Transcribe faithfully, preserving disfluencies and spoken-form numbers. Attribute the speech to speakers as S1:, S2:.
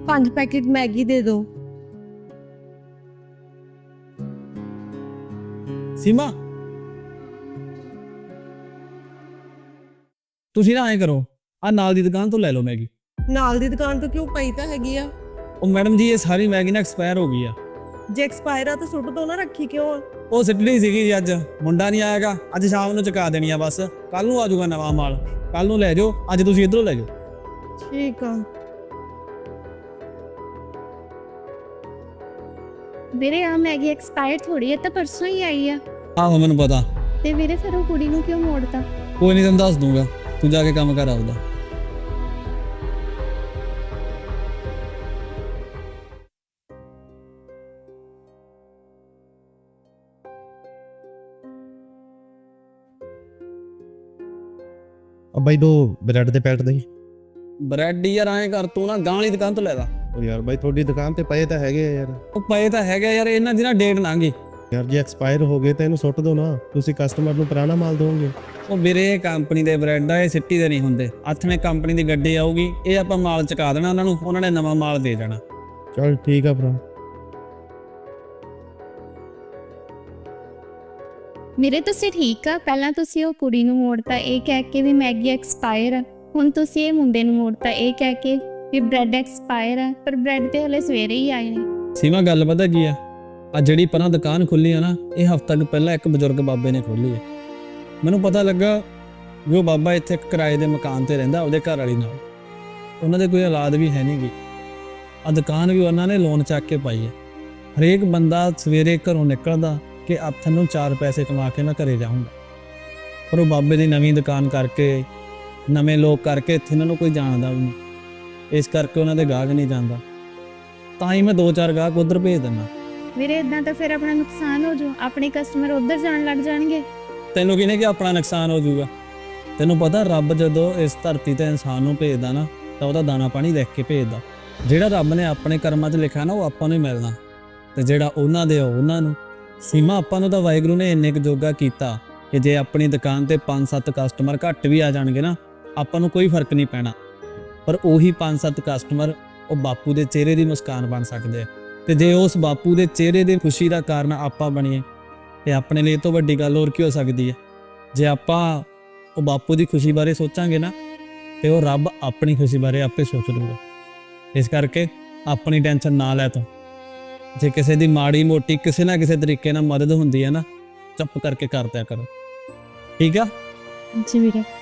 S1: पांच packet Maggi दे दो।
S2: सीमा ਤੁਸੀਂ ਨਾ ਐਂ ਕਰੋ ਆ ਨਾਲ ਦੀ ਦੁਕਾਨ ਤੋਂ ਲੈ ਲਓ ਮੈਗੀ।
S1: नाल दी दुकान तो क्यों पई तो हैगी आ।
S2: ਉਹ ਮੈਡਮ ਜੀ ਇਹ ਸਾਰੀ ਮੈਗੀ ਨਾ ਐਕਸਪਾਇਰ ਹੋ ਗਈ ਆ।
S1: जे एक्सपायर आ तो सुट दो ना, रखी क्यों आ?
S2: ਉਹ ਸਿੱਟਣੀ ਸੀਗੀ ਜੀ, ਅੱਜ ਮੁੰਡਾ ਨਹੀਂ ਆਏਗਾ, ਅੱਜ ਸ਼ਾਮ ਨੂੰ ਚੁਕਾ ਦੇਣੀ ਆ ਬਸ, ਕੱਲ ਨੂੰ ਆ ਜਾਊਗਾ ਨਵਾਂ ਮਾਲ, ਕੱਲ ਨੂੰ ਲੈ ਜਾਓ, ਅੱਜ ਤੁਸੀਂ ਇਧਰੋਂ ਲੈ ਜਾਓ।
S1: ठीक आ।
S3: ਵੀਰੇ ਆ ਮੈਗੀ ਐਕਸਪਾਇਰ ਥੋੜੀ ਹੈ, ਤਾਂ ਪਰਸੋਂ ਹੀ ਆਈ ਆ।
S2: ਆਹੋ ਮੈਨੂੰ ਪਤਾ।
S3: ਤੇ ਵੀਰੇ ਫਿਰ ਉਹ ਕੁੜੀ ਨੂੰ ਕਿਉਂ ਮੋੜਤਾ?
S2: ਕੋਈ ਨਹੀਂ, ਤੈਨੂੰ ਦੱਸ ਦੂੰਗਾ, ਤੂੰ ਜਾ ਕੇ ਕੰਮ ਕਰ ਆਉਦਾ।
S4: अब भाई दो ब्रेड दे पैकेट दे।
S2: ਬ੍ਰੈਡ ਯਾਰ ਐਂ ਕਰ, ਤੂੰ ਨਾ ਗਾਂ ਵਾਲੀ ਦੁਕਾਨ ਤੋਂ ਲੈ ਲਾ।
S4: और यार भाई थोड़ी दुकान ते पए तो हैगे यार।
S2: ਉਹ ਪਏ ਤਾਂ ਹੈਗਾ ਯਾਰ, ਇਹਨਾਂ ਦੀ ਨਾ ਡੇਟ ਲੰਘ ਗਈ।
S4: यार जे एक्सपायर हो गए तो इन्हें सुट दो ना, तुसी कस्टमर ਨੂੰ ਪੁਰਾਣਾ ਮਾਲ ਦੋਗੇ।
S2: ਉਹ ਵੀਰੇ ਕੰਪਨੀ ਦੇ ਬ੍ਰੈਡ ਆ, ਇਹ ਸਿੱਟੀ ਦੇ ਨਹੀਂ ਹੁੰਦੇ। ਹੱਥਵੇਂ ਕੰਪਨੀ ਦੀ ਗੱਡੀ ਆਊਗੀ, ਇਹ ਆਪਾਂ ਮਾਲ ਚੁਕਾ ਦੇਣਾ ਉਹਨਾਂ ਨੂੰ, ਉਹਨਾਂ ਨੇ ਨਵਾਂ ਮਾਲ ਦੇ ਜਾਣਾ।
S4: चल ठीक है भरा।
S3: ਮੇਰੇ ਤੁਸੀਂ ਠੀਕ ਆ, ਪਹਿਲਾਂ ਤੁਸੀਂ ਉਹ ਕੁੜੀ ਨੂੰ ਮੋੜਤਾ ਇਹ ਕਹਿ ਕੇ ਵੀ ਮੈਗੀ ਐਕਸਪਾਇਰ ਆ, ਹੁਣ ਤੁਸੀਂ ਇਹ ਮੁੰਡੇ ਨੂੰ ਮੋੜਤਾ ਇਹ ਕਹਿ ਕੇ ਵੀ ਬ੍ਰੈਡ ਐਕਸਪਾਇਰ ਆ, ਪਰ ਬ੍ਰੈਡ ਤੇ ਹਲੇ ਸਵੇਰੇ ਹੀ ਆਏ ਨੇ।
S2: ਸੀਮਾ ਗੱਲ ਪਤਾ ਕੀ ਆ, ਆ ਜਿਹੜੀ ਪਰਾਂ ਦੁਕਾਨ ਖੁੱਲੀ ਆ ਨਾ, ਇਹ ਹਫ਼ਤਾ ਕੁ ਪਹਿਲਾਂ ਇੱਕ ਬਜ਼ੁਰਗ ਬਾਬੇ ਨੇ ਖੋਲੀ ਆ। ਮੈਨੂੰ ਪਤਾ ਲੱਗਾ ਵੀ ਉਹ ਬਾਬਾ ਇੱਥੇ ਇੱਕ ਕਿਰਾਏ ਦੇ ਮਕਾਨ ਤੇ ਰਹਿੰਦਾ ਉਹਦੇ ਘਰ ਵਾਲੀ ਨਾਲ, ਉਹਨਾਂ ਦੇ ਕੋਈ ਔਲਾਦ ਵੀ ਹੈ ਨਹੀਂ ਗੀ। ਆ ਦੁਕਾਨ ਵੀ ਉਹਨਾਂ ਨੇ ਲੋਨ ਚੱਕ ਕੇ ਪਾਈ ਹੈ। ਹਰੇਕ ਬੰਦਾ ਸਵੇਰੇ ਘਰੋਂ ਨਿਕਲਦਾ ਕਿ ਹੱਥ ਨੂੰ ਚਾਰ ਪੈਸੇ ਕਮਾ ਕੇ ਮੈਂ ਘਰੇ ਜਾਊਂਗਾ, ਪਰ ਉਹ ਬਾਬੇ ਦੀ ਨਵੀਂ ਦੁਕਾਨ ਕਰਕੇ, ਨਵੇਂ ਲੋਕ ਕਰਕੇ ਇੱਥੇ ਇਹਨਾਂ ਨੂੰ ਕੋਈ ਜਾਣਦਾ ਵੀ ਨਹੀਂ, ਇਸ ਕਰਕੇ ਉਹਨਾਂ ਦੇ ਗਾਹਕ ਨਹੀਂ ਜਾਂਦਾ। ਤਾਂ ਹੀ ਮੈਂ ਦੋ ਚਾਰ ਗਾਹਕ ਉੱਧਰ ਭੇਜ ਦਿੰਦਾ।
S3: ਵੀਰੇ ਇਦਾਂ ਤਾਂ ਫਿਰ ਆਪਣਾ ਨੁਕਸਾਨ ਹੋ ਜੂ, ਆਪਣੇ ਕਸਟਮਰ ਉੱਧਰ ਜਾਣ ਲੱਗ ਜਾਣਗੇ।
S2: ਤੈਨੂੰ ਕਿਹਨੇ ਕਿ ਆਪਣਾ ਨੁਕਸਾਨ ਹੋ ਜਾਊਗਾ? ਤੈਨੂੰ ਪਤਾ ਰੱਬ ਜਦੋਂ ਇਸ ਧਰਤੀ ਤੇ ਇਨਸਾਨ ਨੂੰ ਭੇਜਦਾ ਨਾ, ਤਾਂ ਉਹਦਾ ਦਾਣਾ ਪਾਣੀ ਦੇਖ ਕੇ ਭੇਜਦਾ। ਜਿਹੜਾ ਰੱਬ ਨੇ ਆਪਣੇ ਕਰਮਾਂ 'ਚ ਲਿਖਿਆ ਨਾ, ਉਹ ਆਪਾਂ ਨੂੰ ਹੀ ਮਿਲਣਾ, ਤੇ ਜਿਹੜਾ ਉਹਨਾਂ ਦੇ ਉਹਨਾਂ ਨੂੰ। ਸੀਮਾ ਆਪਾਂ ਨੂੰ ਤਾਂ ਵਾਹਿਗੁਰੂ ਨੇ ਇੰਨੇ ਕੁ ਜੋਗਾ ਕੀਤਾ ਕਿ ਜੇ ਆਪਣੀ ਦੁਕਾਨ ਤੇ ਪੰਜ ਸੱਤ ਕਸਟਮਰ ਘੱਟ ਵੀ ਆ ਜਾਣਗੇ ਨਾ, ਆਪਾਂ ਨੂੰ ਕੋਈ ਫਰਕ ਨਹੀਂ ਪੈਣਾ, ਪਰ ਉਹੀ ਪੰਜ ਸੱਤ ਕਸਟਮਰ ਉਹ ਬਾਪੂ ਦੇ ਚਿਹਰੇ ਦੀ ਮੁਸਕਾਨ ਬਣ ਸਕਦੇ ਆ। ਤੇ ਜੇ ਉਸ ਬਾਪੂ ਦੇ ਚਿਹਰੇ ਦੀ ਖੁਸ਼ੀ ਦਾ ਕਾਰਨ ਆਪਾਂ ਬਣੀਏ, ਤੇ ਆਪਣੇ ਲਈ ਇਹ ਤੋਂ ਵੱਡੀ ਗੱਲ ਹੋਰ ਕੀ ਹੋ ਸਕਦੀ ਹੈ? ਜੇ ਆਪਾਂ ਉਹ ਬਾਪੂ ਦੀ ਖੁਸ਼ੀ ਬਾਰੇ ਸੋਚਾਂਗੇ ਨਾ, ਤੇ ਉਹ ਰੱਬ ਆਪਣੀ ਖੁਸ਼ੀ ਬਾਰੇ ਆਪੇ ਸੋਚ ਲੂਗਾ। ਇਸ ਕਰਕੇ ਆਪਣੀ ਟੈਨਸ਼ਨ ਨਾ ਲੈ ਤੂੰ। ਜੇ ਕਿਸੇ ਦੀ ਮਾੜੀ ਮੋਟੀ ਕਿਸੇ ਨਾ ਕਿਸੇ ਤਰੀਕੇ ਨਾਲ ਮਦਦ ਹੁੰਦੀ ਹੈ ਨਾ, ਚੁੱਪ ਕਰਕੇ ਕਰ ਦਿਆ ਕਰੋ, ਠੀਕ ਆ?
S3: ਜੀ ਵੀਰੇ।